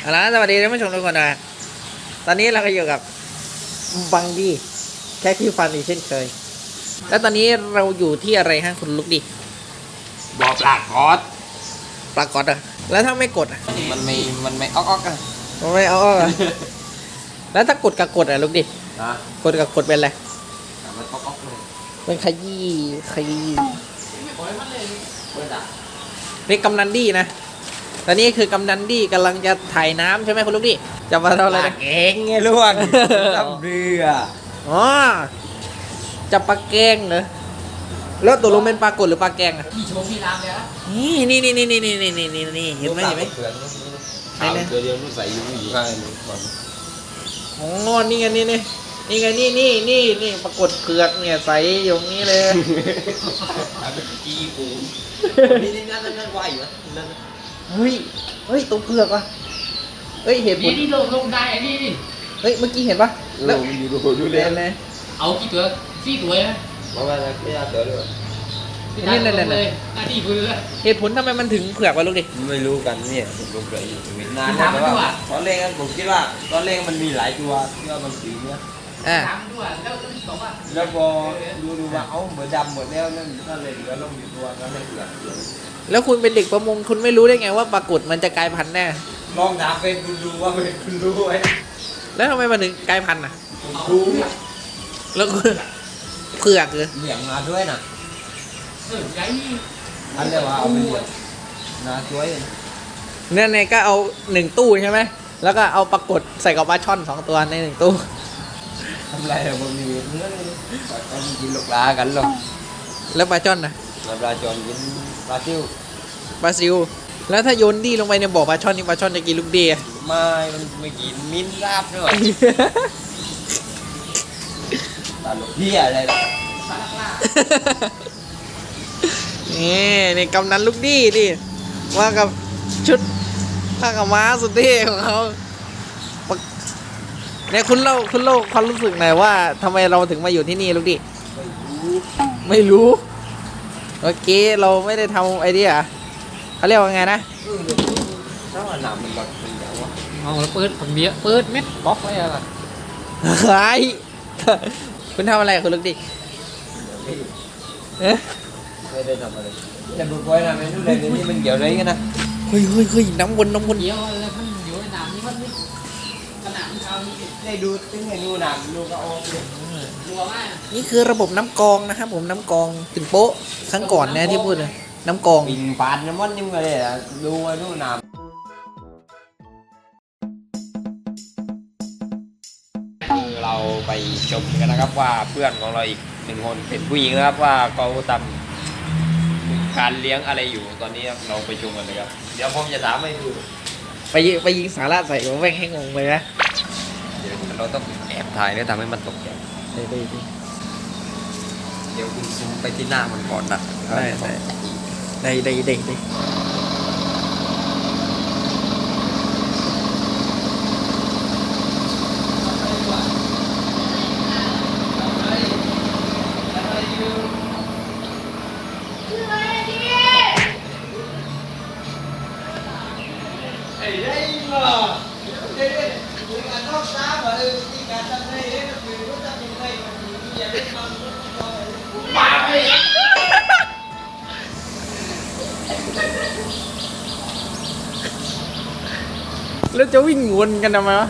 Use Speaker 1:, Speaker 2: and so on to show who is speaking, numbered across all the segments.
Speaker 1: เอาละสวัสดีท่านผู้ชมทุกคนนะตอนนี้เราก็อยู่กับบังดี้แค่ที่ฟันอีกเช่นเคยแล้วตอนนี้เราอยู่ที่อะไรฮะคุณลุกดิ
Speaker 2: บ่อปลากอด
Speaker 1: ปลากดอ่ะแล้วถ้าไม่กดอ่ะ
Speaker 2: มันไม่ออกอ่ะ
Speaker 1: มันไม่เอาอ่ะแล้วถ้ากดกับกดอ่ะลุกดิกดกับกดเป็นอะไร
Speaker 2: มันออกเลย
Speaker 1: เป็นขยี้นี่กำนันดี้นะตอนนี้คือกำนันดี้กำลังจะถ่ายน้ำใช่ไหมคุณลูกดิจะมาทำอะไรนะ
Speaker 2: เก่งไงลูกทำเรือ
Speaker 1: อ๋อจะปลาแกงเหรอแล้วตัวลงเป็นปลากดหรือปลาแกงอ่ะ
Speaker 3: พี่โชว์พี่รามเลยนะ
Speaker 1: นี่เห็นไหม
Speaker 2: เดี๋ยวลูกใส่อยู่ข้างนี้ก่อน
Speaker 1: อ๋อนี่ปรากฏเผือกเนี่ยใส่อยู่นี้เลย
Speaker 2: กีปูนี่นั่นไหวเหรอ
Speaker 1: เฮ้ยตัวเผือกวะเฮ้ยเห็นผล
Speaker 3: นี่ลงได้ไอ้นี่
Speaker 1: เฮ้ยเมื่อกี้เห็นปะ
Speaker 2: แล้วมันอยู่ดูเลย
Speaker 3: เอากี่ตัว4 ตัวนะ
Speaker 2: มาไม่เอาตัวเลย
Speaker 3: นี่หน้าที่พื้นแล้ว
Speaker 1: เหตุผลทำไมมันถึงเผือกวะลูกดิ
Speaker 2: ไม่รู้กันเนี่ยผมลงเลยอยู่นานแล้วแต่ว่าตอนแรกผมคิดว่าตอนแรกมันมีหลายตัวที่ว่ามันสีเนี้ยแล้วพอดูว่าเอาเหมือนดำหมดแล้วนั่นก็เลยเหลือลงอยู่ตัวก็เลยเผือก
Speaker 1: แล้วคุณเป็นเด็กประมงคุณไม่รู้ได้ไงว่าปลากดมันจะกลายพันธุ์แน่
Speaker 2: ลองถามเป็นคุณดูว่าเป็นคุณรู้ไหม
Speaker 1: แล้วทำไมมันถึงกลายพันธุ์อ่ะ
Speaker 2: รู้
Speaker 1: แล้วเผือกเลย
Speaker 2: เหลี่ยมมาด้วยนะ
Speaker 3: ใหญ่
Speaker 2: อันเรียกว่าเอาไปเลี้ยงนะช่วย
Speaker 1: เนี่ยก็เอา1 ตู้ใช่ไหมแล้วก็เอาปลากดใส่กับปลาช่อน2 ตัวใน1 ตู้
Speaker 2: ทำไรอะผมมีเนื้อเลยต้องกินลูกปลากันหรอก
Speaker 1: แล้วปลาช่อนนะ
Speaker 2: ปลาจอนกินปลาซิว
Speaker 1: แล้วถ้าโยนดีลงไปในบ่อปลาช่อนนี่ปลาช่อนจะกินลูกดี
Speaker 2: มันไม่กินมิ้นราบด้วยปลาลูกเพี้ยอะไรล่ะ
Speaker 3: ปลาล่า
Speaker 1: นี่กำนันลูกดีดิว่ากับชุดผ้าขาวม้าสุดเท่ของเขาเนี่ยคุณเล่าความรู้สึกหน่อยว่าทำไมเราถึงมาอยู่ที่นี่ลูกดิไม่รู้เมื่อกี้เราไม่ได้ทำไอเดียเขาเรียกว่าไงนะ
Speaker 2: ถ้าว่าหนามมันแบบเป็นอย่างวะ
Speaker 3: เอาแล้วเปิดเม็ดบล็อกไว้อะไร
Speaker 1: คุณทำอะไรคุณลูกดิ
Speaker 2: ไม่ได้ทำอะไรจะดูก้อยนะไม่รู้เลยนี่มันเกี่ยวอะไรกันนะ
Speaker 1: เฮ้ยน้ำวน
Speaker 3: เดี๋ยวอะไรมันอยู่ในน้ำนี่มันขนาดมันเอา
Speaker 2: ได้ดูตึ้งให้ดูน้ำดูก็โอเค
Speaker 3: รัวมาก
Speaker 1: นี่คือระบบน้ำกรองนะครับผมน้ำกรองถึงโป๊ะครั้งก่อนนะที่พูดเลยน้ำกรอง
Speaker 2: ปิงปานน้ำมันยังไงอ่ะดูน้ำเราไปชมกันนะครับว่าเพื่อนของเราอีก1 คนเป็นผู้หญิงนะครับว่าเขาทำการเลี้ยงอะไรอยู่ตอนนี้เราไปชมกันเลยครับเดี๋ยวผมจะถามให้ดู
Speaker 1: ไปยิงสาระใส่ผมแม่งให้งงเลยนะ
Speaker 2: เดี๋ยวเราต้องแอบถ่ายแล้วทำให้มันตกใจเดี๋ยวคุณซูมไปที่หน้ามันก่อนนะ
Speaker 1: ได้แล้วจะวิ่งวนกันทำไมวะ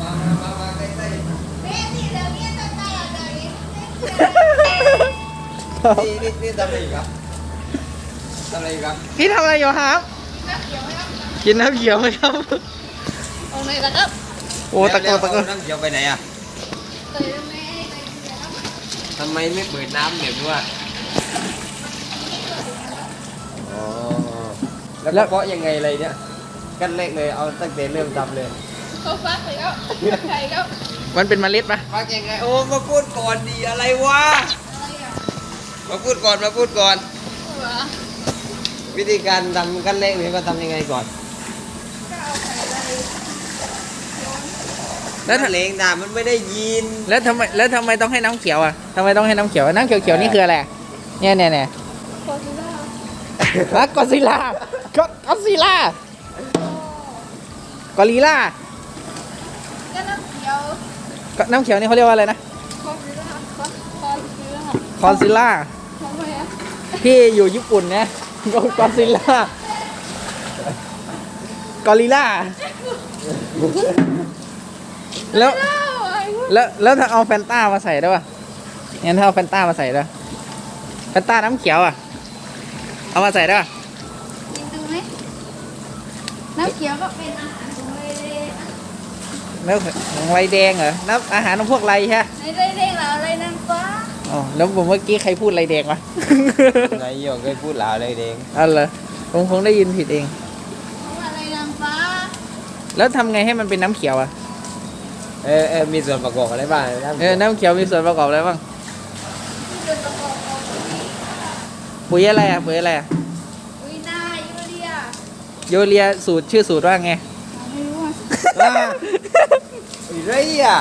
Speaker 2: นี่ทำอะไรครับ
Speaker 1: พี่ทำอะไรอยู่ครับกินน้ำเขียวไหมครับ
Speaker 4: เอาไหนล่ะครับ
Speaker 1: โอ้ตะโกน
Speaker 2: น้ำเขียวไปไหนอ่ะทำไมไม่เปิดน้ำเดี๋ยวด้วยแล้วเพราะยังไงอะไรเนี่ยกันแรกเลยเอาตั้งแต่เริ่มทำเลย
Speaker 4: เขาฟักเลยครับใช่ครับ
Speaker 1: มันเป็นเมล็ดปะ
Speaker 2: ฟักยังไงโอ้มาพูดก่อนดีอะไรวะมาพูดก่อนวิธีการทำกันแรกเลยก็ทำยังไงก่อนแล้วทะเลงน้ำมันไม่ได้ยิน
Speaker 1: แล้วทำไมต้องให้น้ำเขียวอ่ะทำไมต้องให้น้ำเขียวน้ำเขียวนี่คืออะไรเนี่ยกอซิล่ากอริลล่า
Speaker 4: ก็น้ำเขียว
Speaker 1: น้ำเขียวนี่เขาเรียกว่าอะไรนะ
Speaker 4: คอซื้อค่ะคอซื้อค่ะ
Speaker 1: คอนซิลล่า
Speaker 4: ทำไมอ่ะ
Speaker 1: พี่อยู่ญี่ปุ่นนะกอซิลล่า กอริลล่า แล้ว
Speaker 4: เล่าไอ้พวก
Speaker 1: แล้วถ้าเอาแฟนต้ามาใส่ได้ป่ะงั้นถ้าเอาแฟนต้ามาใส่ได้แฟนต้าน้ำเขียวอ่ะ เอามาใส่ได้ป่ะ
Speaker 4: กินดูไหมน้ำเขียวก็เป็นอาหารของเลย
Speaker 1: แล้วของไรแดงเหรอน้ำอาหารของพวกไรใช่ไหม
Speaker 4: ในได้เร่งเราอะไรนางฟ้า
Speaker 1: อ๋อแล้วผมเมื่อกี้ใครพูดไรแดงวะ
Speaker 2: นายโยงเคยพูดลาวเลยเด้ง
Speaker 1: อ๋อเหรอผมคงได้ยินผิดเอง
Speaker 4: ของอะไรนางฟ้า
Speaker 1: แล้วทำไงให้มันเป็นน้ำเขียวอ่ะ
Speaker 2: มีส่วนประกอบอะไรบ้างนะ
Speaker 1: น้ำเขียวมีส่วนประกอบอะไรบ้าง
Speaker 4: ที่เป็นประกอบของ
Speaker 1: ปุ๋ยอะไรอ่ะปุ๋ยอะไรอ่ะ
Speaker 4: อุ้ยนายูเรีย
Speaker 1: โยเรียสูตรชื่อสูตรว่าไง
Speaker 4: ไม่รู้อ่ะ
Speaker 2: ไรอ่ะ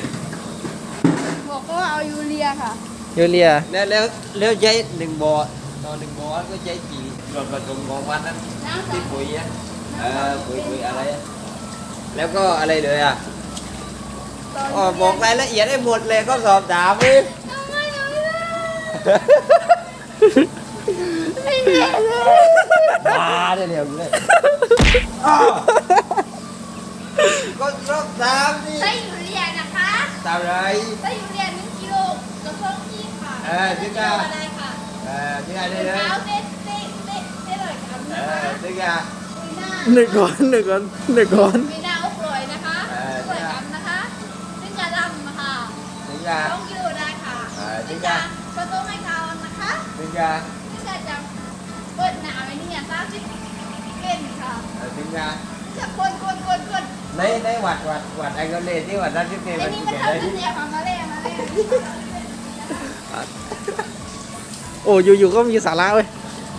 Speaker 4: บอกว่าเอายูเรียค่ะ
Speaker 1: โยเรีย
Speaker 2: แล้วใช้หนึ่งบ่อต่อหนึ่งบ่อก็ใช้กี่ส่วนผสมของมันนั้น
Speaker 4: น้ำสอ
Speaker 2: ที่
Speaker 4: ง
Speaker 2: ปุ๋ยอ่ะปุ๋ยอะไรอะแล้วก็อะไรเลยอ่ะ
Speaker 4: ตอน
Speaker 2: อ๋อบอกรายละเอียดให้หมดเลยก็สอบถามเลย
Speaker 4: ทำไมเอาไม่ได้ไม่เห็นเลย
Speaker 2: มาได้เร็วเลยอ้าวก็สอบถามดิ
Speaker 4: ไส้ยูเรียนะคะ
Speaker 2: ตามไร
Speaker 4: ไส้ยูเรีย1 กิโลกระเพาะที่ค่ะ
Speaker 2: ที่
Speaker 4: 1
Speaker 2: กา
Speaker 4: กิโลอะไรค่ะ
Speaker 2: ที่ไหนได้
Speaker 4: เช้
Speaker 2: เลย
Speaker 4: เต้เลยกันนะคะ
Speaker 2: ที่กา
Speaker 4: คุยหน้า
Speaker 1: หนึ่งก้อนหนึ่งก้อนหนึ่งก้อน
Speaker 4: มีหน้าอกลอยนะคะสวยกันนะคะซึ่งจะดำนะคะ
Speaker 2: ที่กา
Speaker 4: 2 กิโลได้ค่ะ
Speaker 2: จริ
Speaker 4: ซึ่
Speaker 2: ง
Speaker 4: ง
Speaker 2: จ้ะ
Speaker 4: จะผสมให้เขานะคะ
Speaker 2: ที่กา
Speaker 4: ซึ่งจะเปิดหนาวไอ้นี่อ่ะ30เป็นค่ะ
Speaker 2: ที่กา
Speaker 4: จะคน
Speaker 2: ในวัดไอ้ก็เลยที่วัดนั้นที่เป็น
Speaker 4: ไอ้นี่มัน
Speaker 2: อะ
Speaker 4: ทำ
Speaker 2: ไร
Speaker 4: เป็นเสียของมาเลยมาเลย
Speaker 1: โอ้อยู่ๆก็มีสาระเว้ย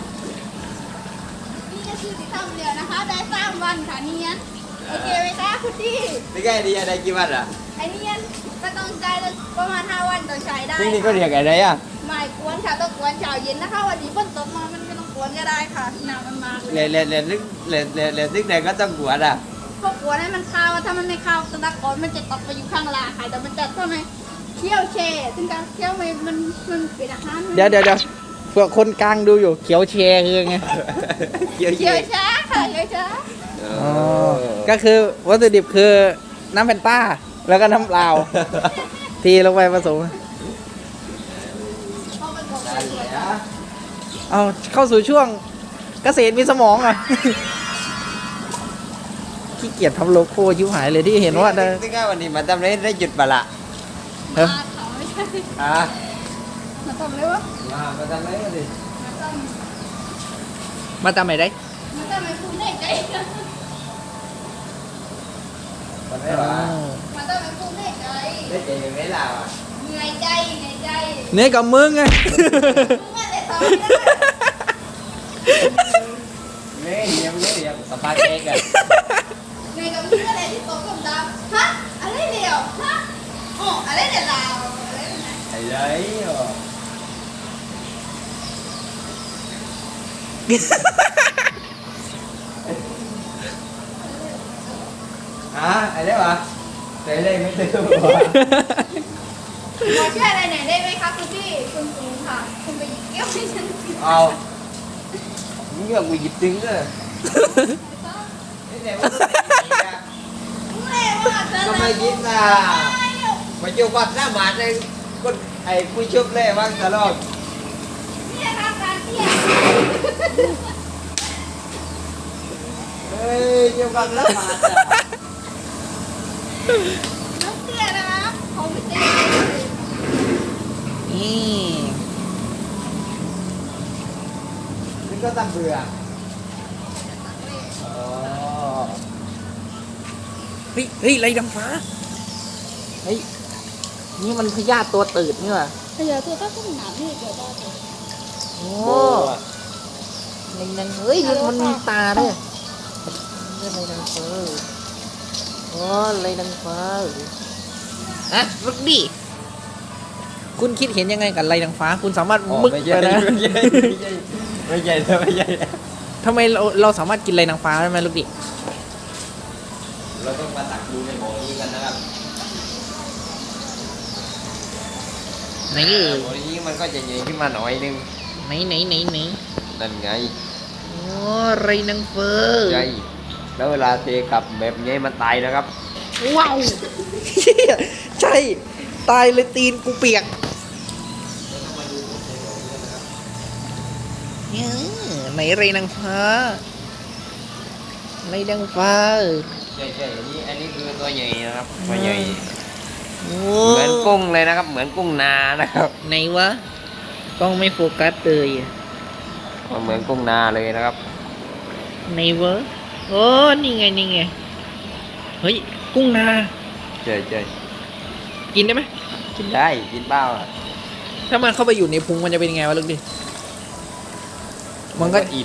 Speaker 4: นี่ก็คือที่ทำเดียวนะคะ ได้3 วันค่ะเนียนโอเคไหมคะคุณพี่
Speaker 2: ที่กาดีอะไรกี่วันอ่ะ
Speaker 4: ไอ้เนียนก็ต้องใช้ประมาณ5 วันต้องใช้ได้
Speaker 2: นี่ก็เรียกอะไรอ่ะ
Speaker 4: ไม่กวนค่ะต้องกวนเช้าเย็นนะคะวันนี้ฝนตกมามันไม่ต้องกวนก็ได้ค่ะหนาวมันมากเลย
Speaker 2: เรียนนึกไหนก็ต้องกวดอ่ะ
Speaker 4: พวกกวนให้มันเข้าวถ้ามันไม่เข้าวตะดักก้อนมันจะตกไปอยู่ข้างล่างค่ะแต่มันจะทำไมเคี่ยวเชซึ่งการเคี่ยวมันเป็นอาหาร
Speaker 1: เดี๋ยวเผื่อคนกลางดูอยู่เขียวแชร์คือไง
Speaker 2: เกี่ยว
Speaker 4: เคี่ยวช้าค่ะเคี่ยวช้า
Speaker 1: อ๋อก็คือวัตถุดิบคือน้ำแฟนต้า แล้วก็น้ำเปล่า ทีลงไปผสม
Speaker 4: พอมันบอก
Speaker 2: ได้
Speaker 4: สวย
Speaker 2: แล้ว
Speaker 1: เอาเข้าสู่ช่วงเกษตรมีสมองอ่ะ ขี้เกียจทำโลโก้ชิวหายเลยที่เห็นว่าได้
Speaker 2: ที่กาวันนี้มาทำได้หยุดปะละ
Speaker 1: เอ้า
Speaker 4: มาเขาไม่ใช่
Speaker 2: อ่ะ
Speaker 4: มาทำเลยวะ
Speaker 2: มาทำได้วันนี้
Speaker 4: มาทำ
Speaker 1: มาทำไหนได้
Speaker 4: มาทำไมคุณได้ใจ
Speaker 2: ทำได้ปะ
Speaker 4: มาทำไมคุณได้ใจ
Speaker 2: ได้ใจยังไงล่ะ
Speaker 4: เหนื่อยใจเหนื่อยใจ
Speaker 1: เนื้อกับมึงไง
Speaker 4: มึงอะไรทำไม่ได้
Speaker 2: เลี้ยงสปาเค้กอ่ะ
Speaker 4: เหนื่อยกับมึงอะไรที่โตกับดำฮะอะไรเดียวฮะอ๋ออะไรเดียวลาวอะไรแบบนั้น
Speaker 2: ไอ้เลยไอ้เด้ปะไอ้เด้ไม่ตื่น
Speaker 4: ขอช่วยอะไรหน่อยได้ไหมคะคุณพี่คุณสูงค่ะ คุณไปหยิบแก้วให้ฉันกิน
Speaker 2: เอานี่ก็กูหยิบตึงเลยนี่ไหนว่า
Speaker 4: ไม่ว่าจะ
Speaker 2: ทำไมยิ้มล่ะมาจูบัดหน้าหมาในคนไอ้ผู้ชุบเลยว่างตลอด
Speaker 4: นี่ทำการเที่ยว
Speaker 2: เฮ้ยจูบัดหน้าหมา
Speaker 4: น้องเตี้ยนะครับเขาไม่เตี้ย
Speaker 1: นี่
Speaker 2: นี่ก็ตำเบื่ออ๋อ
Speaker 1: เฮ้ยไรดำฟ้า เฮ้ย นี่มันพยาธิตัวตืดนี่ว่ะ
Speaker 4: ขยะตัวถ้าขึ้นหนาที่เกิดได้
Speaker 1: โอ้ในนั้นเฮ้ยมันมีตาด้วยนี่ไรดำฟ้าโอ้ไรดำฟ้าอะลูกดิคุณคิดเห็นยังไงกับไรดำฟ้า คุณสามารถมึก
Speaker 2: ไม่
Speaker 1: ไป
Speaker 2: ใช่
Speaker 1: นะ
Speaker 2: ไม่ใช่
Speaker 1: ทำไมเราสามารถกินไรนางฟ้าได้ไหมลูกดิ
Speaker 2: เราต้องมาตักดูในบ่อนี้กันนะครับ
Speaker 1: ไหนเอ่ย
Speaker 2: บ่อนี้มันก็จะใหญ่ขึ้นมาหน่อยนึง
Speaker 1: ไหน
Speaker 2: นั่นไง
Speaker 1: โอ้ไรนางฟ้า
Speaker 2: ใช่แล้วเวลาเทกลับแบบนี้มันตายนะครับ
Speaker 1: ว้าวใช่ตายเลยตีนกูเปียกเนี่ยไหนไรนางฟ้าไรนางฟ้า
Speaker 2: ใช่อันนี้คือตัวใหญ่นะครับตัวใหญ่
Speaker 1: โอ้
Speaker 2: เหมือนกุ้งเลยนะครับ เหมือนกุ้งนานะครับ
Speaker 1: ไหนวะกล้องไม่โฟกัสเลยอะ
Speaker 2: มันเหมือนกุ้งนาเลยนะครับ
Speaker 1: ไหนวะโอ้นี่ไงเฮ้ยกุ้งนา
Speaker 2: ใช่
Speaker 1: กินได้ไหม
Speaker 2: กินได้กินเปล่าอ่ะ
Speaker 1: ถ้ามันเข้าไปอยู่ในพุงมันจะเป็นยังไงวะลูกดิมันก็
Speaker 2: อิ่ม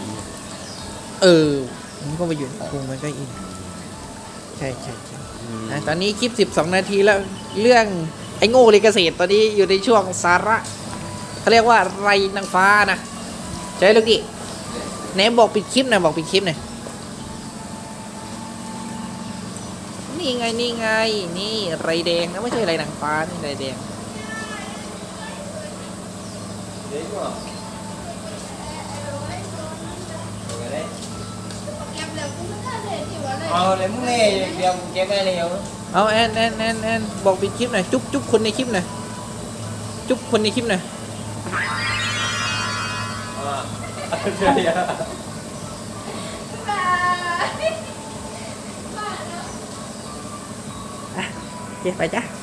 Speaker 1: มันก็ไปอยู่ในพุงมันก็อิ่มใช่ตอนนี้คลิป12 นาทีแล้วเรื่องไอ้โง่เลยเกษตรตอนนี้อยู่ในช่วงสาระเขาเรียกว่าไรนางฟ้านะใช่ลูกดิไหนบอกปิดคลิปหน่อยบอกปิดคลิปหน่อยนี่ไงนี่ไรแดงนะไม่ใช่ไรนางฟ้านี่ไรแดง
Speaker 2: เดี๋ยวก่อน
Speaker 4: เก็บแล้วกูไม่ได้เลยที่ว่าเลย
Speaker 2: เอาเลยมึงเล่เดี๋ยวเก็บได้เร็ว
Speaker 1: เอาแอนบอกปิดคลิปหน่อยจุ๊บคนในคลิปหน่อยจุ๊บคนในคลิปหน่อย
Speaker 2: ใช่
Speaker 4: บาย
Speaker 1: โอเคไปจ้ะ